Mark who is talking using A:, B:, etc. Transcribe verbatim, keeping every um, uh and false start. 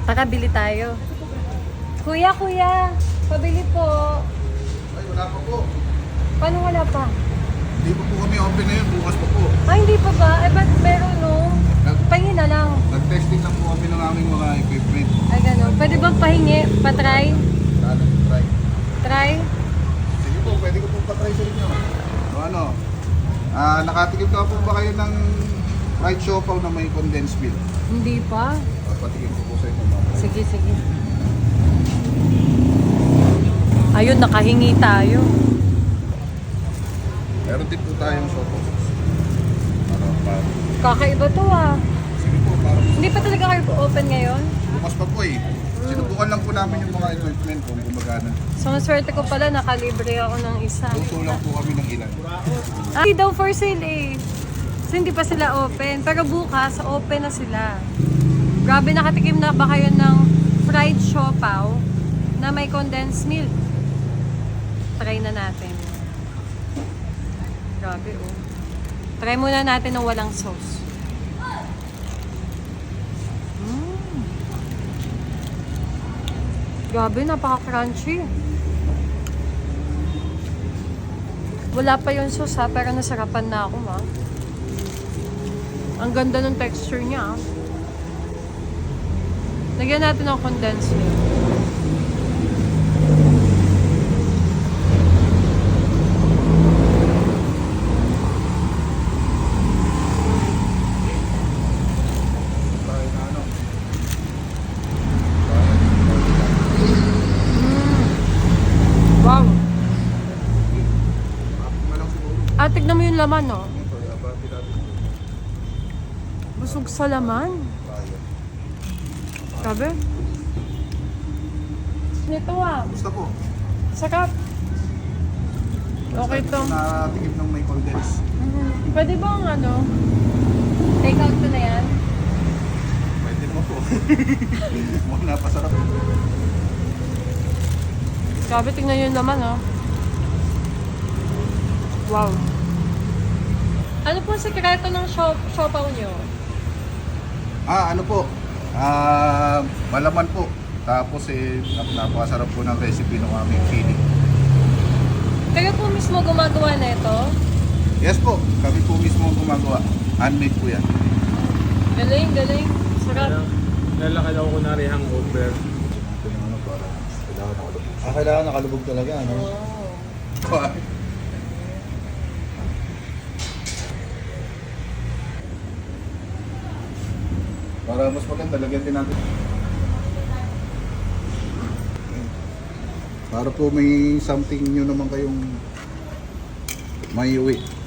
A: Tara, bili tayo. Kuya, kuya, pabili po.
B: Ay, wala pa po.
A: Paano wala pa?
B: Hindi pa po kami open ngayon. Bukas pa po.
A: Ay, hindi pa ba? Eh, ba't meron no? Pahingi na lang.
B: Nag-testing lang po kami ng aming mga equipment.
A: Ay, gano'n. Pwede bang pahingi? Pa-try?
B: Sana, try.
A: Try?
B: Sige po, pwede ko po patry sa inyo. O ano, ah, nakatikim ka po ba kayo ng fried siopaw na may condensed milk?
A: Hindi pa.
B: O, patikim ko po sa inyo. Mga.
A: Sige, sige. Ayun, nakahingi tayo.
B: Meron din po tayong siopaw. Para, para.
A: Kakaiba to ah.
B: Sige po, para
A: Hindi pa talaga kayo open ngayon?
B: bukas pa po eh. Sinubukan lang po namin yung mga equipment kung gumagana.
A: So, ang swerte ko pala, nakalibre ako ng isa.
B: Luto lang po kami ng ilan.
A: Ah, hindi daw for sale eh. So, hindi pa sila open. Pero bukas, open na sila. Grabe, nakatikim na ba kayo ng fried siopaw na may condensed milk? Try na natin. Grabe oh. Try muna natin ng walang sauce. Mm. Grabe, napaka-crunchy. Wala pa yung sauce ha, pero nasarapan na ako ha. Ang ganda ng texture niya. Lagyan natin ng condensed milk.
B: Tayo na ano.
A: Wow!
B: Tapos na lang siguro.
A: Ah, tignan mo yung laman no.
B: Ito, abati natin.
A: Busog sa laman.
B: Tayo.
A: Grabe. Nito ah.
B: Gusto po.
A: Sarap. Okay to.
B: Natikim ng may condensed.
A: Mhm. Pwede bang ano? Take out ko na yan?
B: Pwede mo po. Mukhang napasarap.
A: Grabe, tingnan yung laman oh. Wow. Ano po ang sekreto ng shop, siopaw nyo?
B: Ah, ano po? Ah, malaman po. Tapos eh, nap- napakasarap po ng recipe ng aming chili.
A: Kayo po mismo gumagawa na ito?
B: Yes po, kami po mismo ang gumagawa. Handmade po yan.
A: Galing, galing. Sarap.
C: Lalakad ako kunwari hangover.
B: Ito yung ano para kailangan nakalubog. Ah, kailangan nakalubog talaga, ano?
A: Oh.
B: Para mas maganda, lagyan din natin. Para po may something nyo naman kayong may uwi.